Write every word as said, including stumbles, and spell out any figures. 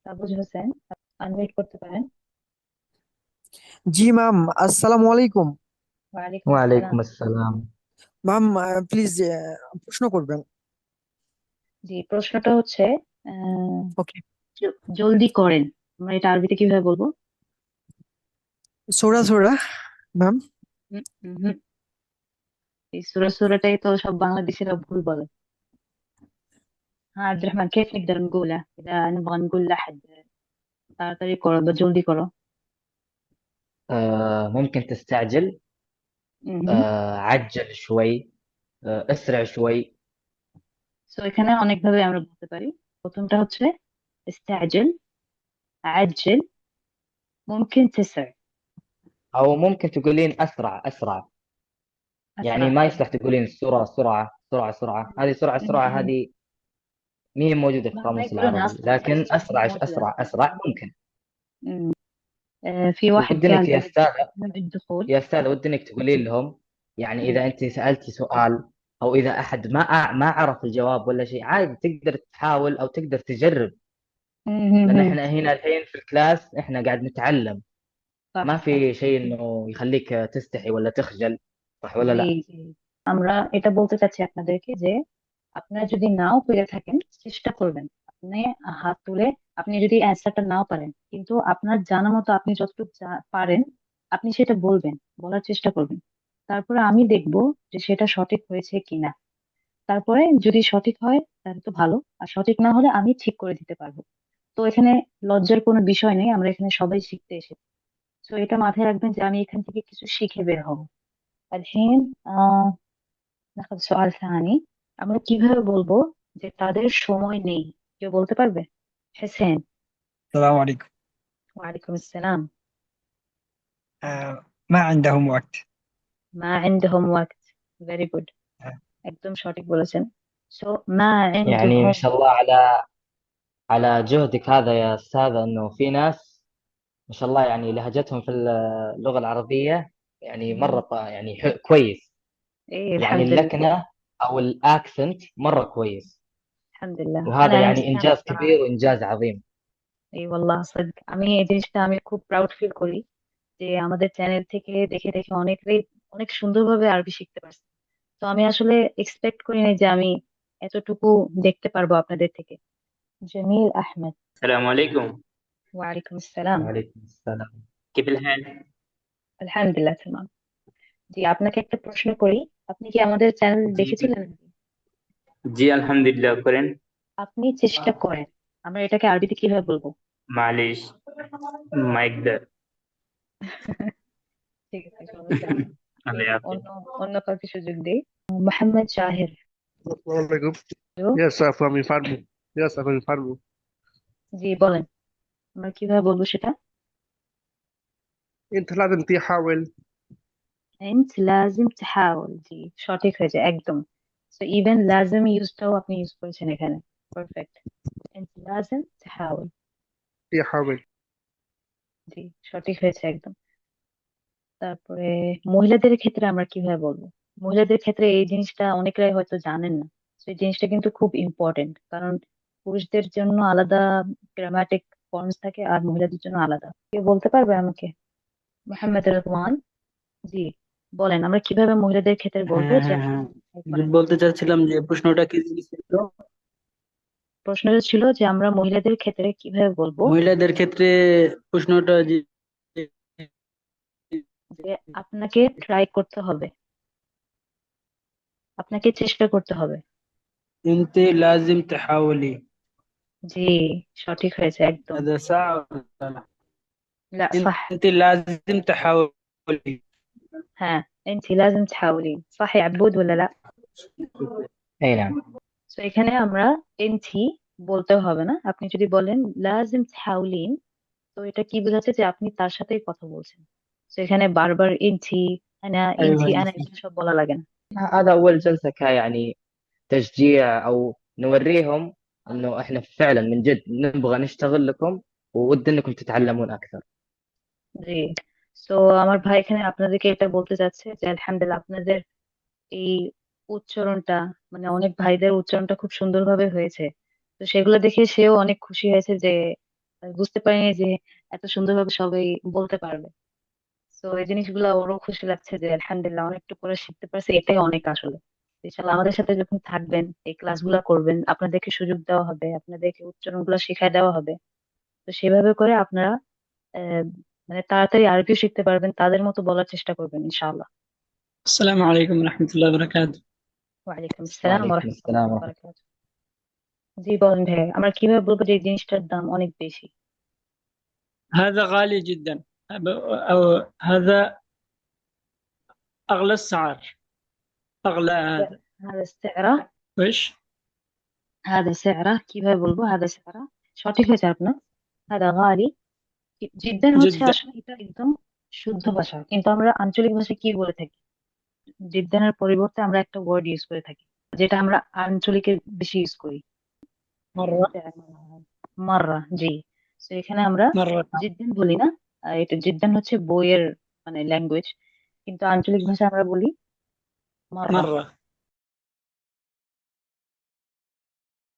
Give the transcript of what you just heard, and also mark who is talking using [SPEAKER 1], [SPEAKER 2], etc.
[SPEAKER 1] তাবুজ Hossain, unmute করতে পারেন।
[SPEAKER 2] জি ma'am, আসসালামু আলাইকুম।
[SPEAKER 1] ওয়ালাইকুম আসসালাম।
[SPEAKER 3] ওয়ালাইকুম আসসালাম।
[SPEAKER 2] ম্যাম, প্লিজ প্রশ্ন করবেন।
[SPEAKER 1] জি, প্রশ্নটা হচ্ছে আহ,
[SPEAKER 2] ওকে।
[SPEAKER 1] জ- জলদি করেন, আমরা এটা আরবিতে কিভাবে বলবো?
[SPEAKER 2] সোরা সোরা ম্যাম।
[SPEAKER 1] হুম, হুম, হুম। এই সূরা সূরাটাই তো সব বাংলাদেশিরা ভুল বলে। হ্যাঁ عبد الرحمن كيف نقدر نقوله إذا نبغى نقول لأحد তাড়াতাড়ি করো বা জলদি করো؟
[SPEAKER 3] آه ممكن تستعجل.
[SPEAKER 1] হুম।
[SPEAKER 3] آه عجل شوي. آه اسرع شوي.
[SPEAKER 1] সো এখানে অনেকভাবে আমরা বলতে পারি। প্রথমটা হচ্ছে استعجل، عجل، ممكن تسرع.
[SPEAKER 3] او ممكن تقولين اسرع اسرع. يعني
[SPEAKER 1] أسرع
[SPEAKER 3] ما
[SPEAKER 1] إيه.
[SPEAKER 3] يصلح تقولين سرعة سرعة سرعة سرعة، هذه سرعة سرعة
[SPEAKER 1] م-
[SPEAKER 3] هذه ما هي موجودة في
[SPEAKER 1] ما ما
[SPEAKER 3] القاموس
[SPEAKER 1] يقولون
[SPEAKER 3] العربي،
[SPEAKER 1] أصلا
[SPEAKER 3] لكن
[SPEAKER 1] أسرع مو
[SPEAKER 3] اسرع
[SPEAKER 1] موجودة.
[SPEAKER 3] اسرع اسرع ممكن.
[SPEAKER 1] م. آه، في واحد
[SPEAKER 3] ودي
[SPEAKER 1] قال
[SPEAKER 3] انك يا
[SPEAKER 1] بعد
[SPEAKER 3] استاذة
[SPEAKER 1] من الدخول.
[SPEAKER 3] يا استاذة ودي انك تقولين لهم، يعني
[SPEAKER 1] م.
[SPEAKER 3] اذا انت سألتي سؤال او اذا احد ما أع- ما عرف الجواب ولا شيء، عادي تقدر تحاول او تقدر تجرب.
[SPEAKER 1] م-
[SPEAKER 3] لان
[SPEAKER 1] م- م.
[SPEAKER 3] احنا هنا الحين في الكلاس احنا قاعد نتعلم. ما
[SPEAKER 1] صح صح.
[SPEAKER 3] في شيء انه يخليك تستحي ولا تخجل. صح ولا
[SPEAKER 1] জি
[SPEAKER 3] لا؟
[SPEAKER 1] জি, আমরা এটা বলতে চাচ্ছি আপনাদেরকে যে আপনারা যদি নাও পেরে থাকেন, চেষ্টা করবেন। আপনি হাত তুলে, আপনি যদি অ্যান্সারটা নাও পারেন, কিন্তু আপনার জানা মতো আপনি যতটুকু যা- পারেন, আপনি সেটা বলবেন, বলার চেষ্টা করবেন। তারপরে আমি দেখব যে সেটা সঠিক হয়েছে কিনা। তারপরে যদি সঠিক হয় তাহলে তো ভালো, আর সঠিক না হলে আমি ঠিক করে দিতে পারবো। তো এখানে লজ্জার কোনো বিষয় নেই, আমরা এখানে সবাই শিখতে এসেছি। তো এটা মাথায় রাখবেন যে আমি এখান থেকে কিছু শিখে বের হবো। الحين آه ناخذ سؤال ثاني. আমরা কিভাবে বলবো যে তাদের সময় নেই? কেউ বলতে পারবে? حسين.
[SPEAKER 4] السلام عليكم.
[SPEAKER 1] ওয়ালাইকুম আসসালাম।
[SPEAKER 4] آه ما عندهم وقت.
[SPEAKER 1] ما عندهم وقت. very good.
[SPEAKER 4] آه
[SPEAKER 1] একদম সঠিক বলেছেন। so ما
[SPEAKER 3] يعني ما
[SPEAKER 1] عندهم.
[SPEAKER 3] شاء الله على على جهدك هذا يا استاذ، انه في ناس ما شاء الله يعني لهجتهم في اللغة العربية يعني مرة
[SPEAKER 1] مم.
[SPEAKER 3] ط- يعني ح- كويس.
[SPEAKER 1] ايه
[SPEAKER 3] يعني
[SPEAKER 1] الحمد لله.
[SPEAKER 3] اللكنة او الاكسنت مرة كويس.
[SPEAKER 1] الحمد لله انا
[SPEAKER 3] وهذا يعني
[SPEAKER 1] عندي انا
[SPEAKER 3] انجاز
[SPEAKER 1] الصراحه.
[SPEAKER 3] كبير وانجاز عظيم.
[SPEAKER 1] এই والله صدق আমি এই জিনিসটা আমি খুব প্রাউড ফিল করি যে আমাদের চ্যানেল থেকে দেখে দেখে অনেকেই অনেক সুন্দরভাবে আরবি শিখতে পারছে। তো আমি আসলে এক্সপেক্ট করি নাই যে আমি এতটুকু দেখতে পারবো আপনাদের থেকে। جميل أحمد.
[SPEAKER 5] السلام عليكم.
[SPEAKER 1] وعليكم السلام.
[SPEAKER 3] وعليكم السلام.
[SPEAKER 5] كيف الحال؟
[SPEAKER 1] আলহামদুলিল্লাহ tamam. জি, আপনাকে একটা প্রশ্ন করি। আপনি কি আমাদের চ্যানেল
[SPEAKER 5] জি
[SPEAKER 1] দেখেছিলেন?
[SPEAKER 5] জি আলহামদুলিল্লাহ করেন।
[SPEAKER 1] আপনি চেষ্টা করেন, আমরা এটাকে আরবিতে কিভাবে বলবো?
[SPEAKER 5] معليش ما يقدر.
[SPEAKER 1] ঠিক আছে, সমস্যা নেই।
[SPEAKER 5] الله
[SPEAKER 1] অন্য
[SPEAKER 5] يعافيك.
[SPEAKER 1] অন্য কাউকে সুযোগ দিই। মোহাম্মদ শাহের।
[SPEAKER 6] Alaikum.
[SPEAKER 1] Hello?
[SPEAKER 6] Yes, sir, from Infarmo. Yes, sir, from Infarmo.
[SPEAKER 1] জি বলেন, আমরা কিভাবে বলবো সেটা?
[SPEAKER 6] انت لازم تحاول.
[SPEAKER 1] انت لازم تحاول. জি, সঠিক হয়েছে একদম। সো ইভেন লাজম ইউজটাও আপনি ইউজ করেছেন এখানে। পারফেক্ট। انت لازم تحاول.
[SPEAKER 6] تحاول.
[SPEAKER 1] জি, সঠিক হয়েছে একদম। তারপরে মহিলাদের ক্ষেত্রে আমরা কিভাবে বলবো? মহিলাদের ক্ষেত্রে এই জিনিসটা অনেকেরাই হয়তো জানেন না। তো এই জিনিসটা কিন্তু খুব ইম্পর্টেন্ট, কারণ পুরুষদের জন্য আলাদা গ্রামাটিক ফর্মস থাকে আর মহিলাদের জন্য আলাদা। কেউ বলতে পারবে আমাকে? মোহাম্মদ রহমান। জি, বলেন আমরা কিভাবে মহিলাদের ক্ষেত্রে বলবো
[SPEAKER 7] হ্যাঁ
[SPEAKER 1] যে
[SPEAKER 7] হ্যাঁ
[SPEAKER 1] আপনি
[SPEAKER 7] হ্যাঁ
[SPEAKER 1] এই
[SPEAKER 7] যে
[SPEAKER 1] করেন।
[SPEAKER 7] বলতে চাচ্ছিলাম যে প্রশ্নটা কি ছিল?
[SPEAKER 1] প্রশ্নটা ছিল যে আমরা মহিলাদের ক্ষেত্রে কিভাবে বলবো
[SPEAKER 7] মহিলাদের ক্ষেত্রে প্রশ্নটা যে
[SPEAKER 1] যে আপনাকে ট্রাই করতে হবে, আপনাকে চেষ্টা করতে হবে।
[SPEAKER 7] انت لازم تحاولي.
[SPEAKER 1] জি, সঠিক হয়েছে একদম।
[SPEAKER 7] هذا صح ولا لا؟
[SPEAKER 1] لا صح.
[SPEAKER 7] انت لازم تحاولي.
[SPEAKER 1] ها، انت لازم تحاولين، صح يا عبود ولا لا؟
[SPEAKER 3] اي نعم.
[SPEAKER 1] তো এখানে আমরা এনথি বলতেও হবে না, আপনি যদি বলেন লাজিম تحاولين, তো এটা কি বোঝাচ্ছে যে আপনি তার সাথেই কথা বলছেন। তো এখানে বারবার এনথি, আনা,
[SPEAKER 7] ايوه
[SPEAKER 1] এনথি আনা
[SPEAKER 7] انت.
[SPEAKER 1] এগুলো সব বলা লাগে না।
[SPEAKER 3] هذا اول جلسة ك يعني تشجيع، او نوريهم انه احنا فعلا من جد نبغى نشتغل لكم وود انكم تتعلمون اكثر.
[SPEAKER 1] জি। তো আমার ভাই এখানে আপনাদেরকে এটা বলতে চাচ্ছে যে আলহামদুলিল্লাহ আপনাদের এই উচ্চারণটা, মানে অনেক ভাইদের উচ্চারণটা খুব সুন্দরভাবে হয়েছে। তো সেগুলো দেখে সেও অনেক খুশি হয়েছে যে আমি বুঝতে পারিনি যে এত সুন্দরভাবে সবাই বলতে পারবে। তো এই জিনিসগুলো ওরও খুশি লাগছে যে আলহামদুলিল্লাহ অনেকটু করে শিখতে পারছে, এটাই অনেক আসলে। ইনশাআল্লাহ আমাদের সাথে যখন থাকবেন, এই ক্লাসগুলো করবেন, আপনাদেরকে সুযোগ দেওয়া হবে, আপনাদেরকে উচ্চারণগুলো শিখায় দেওয়া হবে। তো সেভাবে করে আপনারা আহ, মানে তাড়াতাড়ি আরবিও শিখতে পারবেন, তাদের মতো বলার চেষ্টা করবেন ইনশাআল্লাহ।
[SPEAKER 7] السلام عليكم ورحمة الله وبركاته.
[SPEAKER 1] ওয়ালাইকুম আসসালাম ওয়া
[SPEAKER 3] وعليكم
[SPEAKER 1] রাহমাতুল্লাহি
[SPEAKER 3] السلام
[SPEAKER 1] ওয়া
[SPEAKER 3] ورحمة
[SPEAKER 1] বারাকাতুহু। জি বলেন ভাই, আমরা কিভাবে বলবো যে এই জিনিসটার দাম অনেক বেশি?
[SPEAKER 7] هذا غالي جدا، أو هذا أغلى السعر، أغلى هذا.
[SPEAKER 1] هذا سعره
[SPEAKER 7] وإيش؟
[SPEAKER 1] هذا سعره কিভাবে বলবো هذا سعره? সঠিক হয়েছে আপনার। هذا غالي জিদ্দান হচ্ছে
[SPEAKER 7] جدا.
[SPEAKER 1] আসলে এটা একদম শুদ্ধ ভাষা, কিন্তু আমরা আঞ্চলিক ভাষায় কি বলে থাকি? জিদ্দানের পরিবর্তে আমরা একটা ওয়ার্ড ইউজ করে থাকি, যেটা আমরা আঞ্চলিকে বেশি ইউজ করি।
[SPEAKER 7] مرة
[SPEAKER 1] মাররা, জি। তো এখানে আমরা
[SPEAKER 7] مرة
[SPEAKER 1] জিদ্দান বলি না, আহ, এটা জিদ্দান হচ্ছে বইয়ের মানে ল্যাঙ্গুয়েজ, কিন্তু আঞ্চলিক ভাষা আমরা বলি মাররা।
[SPEAKER 7] مرة